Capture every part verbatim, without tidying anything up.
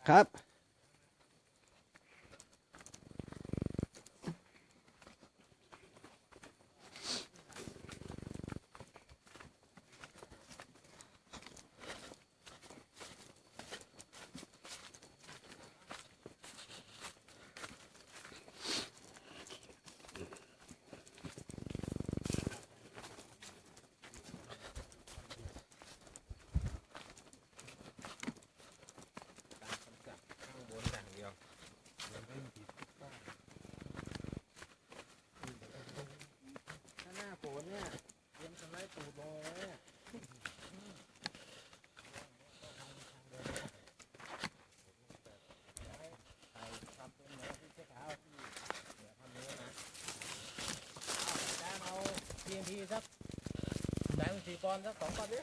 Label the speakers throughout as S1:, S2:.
S1: ครับเนี่ยเตรียมสไลด์ตูดลงเลยเนี่ยใส่ทำเป็นเหมือนที่เช็คเอาท์ที่เนี่ยทำนี้นะแจ้งเอา ที เอ็น ที สักแจ้งสี่ปอนด์สักสองปอนด์ดิ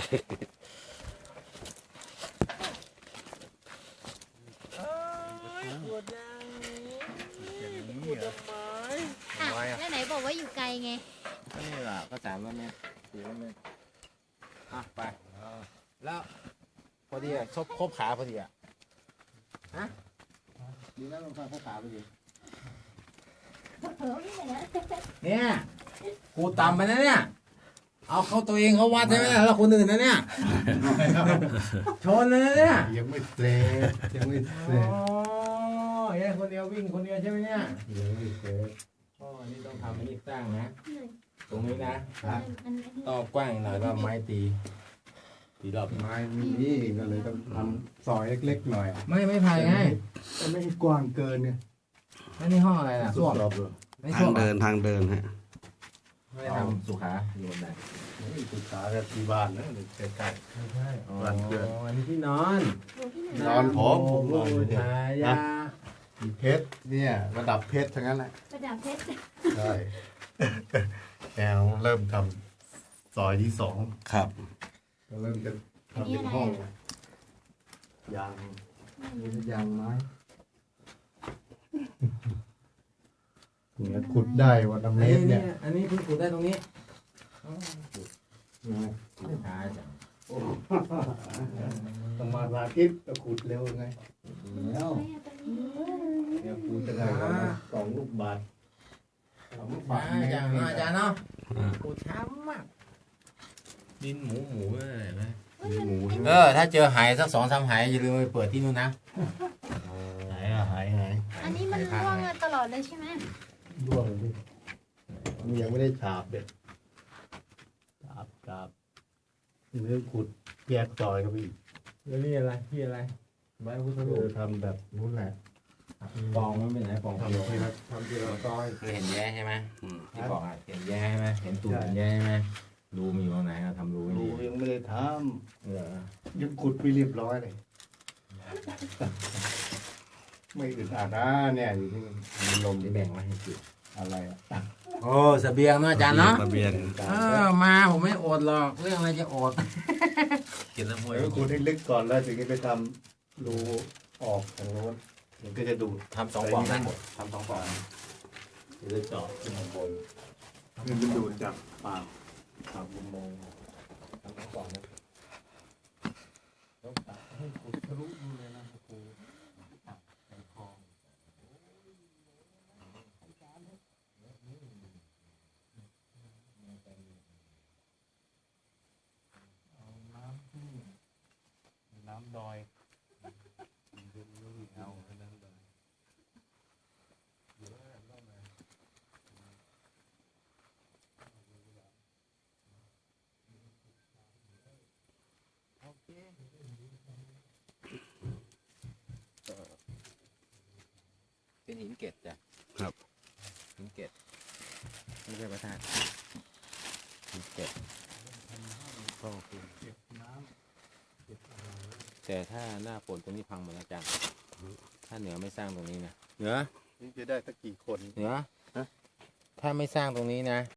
S1: เอ้ยขวดยังขวดทำไม
S2: อ่ะแล้วไหนบอกว่าอยู่ไกลไง
S1: นี่แหละก็สามร้อยเมตรสี่ร้อยเมตรอ่ะไปแล้วพอดีอ่ะครบครบขาพอดีอ่ะฮะดีแล้วลงทางครบขาพอดีเนี่ยกูต่ำไปนะเนี่ยเอาเขาตัวเองเขาวัดใช่ไหมแล้วคนอื่นนะเนี่ยชนเลยนะเนี่ย
S3: ยังไม่เสร็จยังไม่เสร็จ
S1: อ๋อเนี่ยคนเดียววิ่งคนเดียวใช่ไหมเนี่ย
S3: ยังไม่เสร็จ
S1: อ๋อนี่ต้องทำให้สร้างนะตรงนี้นะต่อกว้างหน่อยก็ไม้ตีตีรอบ
S3: ไม้นี่ก็เลยต้องทำซอยเล็กๆหน่อย
S1: ไม่ไม่ไผ่ไง
S3: ไม่กว้างเกินเนี่ย
S1: แล้วนี่ห้องอะไรน่ะส้วม
S4: ทางเดินทางเดินฮะ
S1: ไม่ทำสุขาอยู่บนไหน
S3: สุขากับที่บ้านนะใกล้ๆ
S1: ไม่ใช่บ้านเกิดอันนี้ที่นอน
S3: นอนผมผมน
S1: อน
S3: เนี่ย
S1: ยา
S3: เพชรเนี่ยระดับเพชรทั้งนั้นแหละ
S2: ระดับเพชร
S3: ใช่แกเริ่มทำซอยที่สอง
S4: ครับ
S3: ก็เริ่มจะทำเป็นห้องยางนี่เป็นยางไม้เนี่ยขุดได้วันละเมตรเนี่ย
S1: อันนี้เพิ่งขุดได้ตรงนี้
S3: ไม่
S1: หาจัง
S3: ต้องมาสาธิตก็ขุดเร็วไงแล้วเดี๋ยวขุดจะได้วันละสองลูกบาทสองลูกบาท
S1: อาจารย์อาจารย์เนาะขุดช้ำมากดินหมูหมูอะไรไหม
S4: หมู
S1: เออถ้าเจอหายสักสองสามหายอย่าลืมไปเปิดที่นู่นนะ
S3: หายอะหายหาย
S2: อันนี้มันร่วงตลอดเลยใช่ไหม
S3: ร่วงดิมันยังไม่ได้ฉาบเด็ดฉาบฉาบเนื้อขุดแยกซอยกันไปอีก
S1: แล้วนี่อะไรที่อะไรใบพุทธรูป
S3: ทำแบบนู้นแหละ
S1: ปองมันเป็นไหนปอง
S3: ทำที่เราทำที่เราซอย
S1: เคยเห็นแย่ใช่ไหมที่บอกอ่ะเห็นแย่ใช่ไหมเห็นตูดเห็นแย่ใช่ไหมรูมีตรงไหนเราทำรูไม่ดี
S3: ยังไม่ได้ท
S1: ำเหรอ
S3: ยังขุดไปเรียบร้อยเลยไม่อึดอัดนะเนี่ยอยู่ที่มันลม
S1: ที่แบ่งไว้ให้กิน
S3: อะไรอ่ะ
S1: โอ้เสบียงเนาะอาจารย์เนาะ
S4: เสบียง
S1: เออมาผมไม่อดหรอกเรื่องอะไรจะอด
S3: กินน้ำมวยขุดให้ลึกก่อนแล้วถึงจะไปทำรูออกทางโน้นมันก็จะดูด
S1: ทำสองปองได้หมดทำสองปอง
S3: จะได้เจาะขึ้นข้างบนมันจะดูดจากปากปากมุมมอง
S1: ทำสองปองนะต้องตัดให้ขุดทะลุดูเลยนะครูในคลอง
S3: เอาน้ำที่น้ำดอยเอาน้ำดอยเดี๋ยวเล่ามา
S1: โอเคเป็นหินเกล็ดจ้ะ
S4: ครับ
S1: หินเกล็ดไม่ใช่พระธาตุหินเกล็ดก็คือ
S3: เก็บน้ำเก็บอะไร
S1: แต่ถ้าหน้าฝนตรงนี้พังหมดแล้วจ้ะถ้าเหนือไม่สร้างตรงนี้นะเหนือ
S3: นี่จะได้สักกี่คน
S1: เหนือถ้าไม่สร้างตรงนี้นะ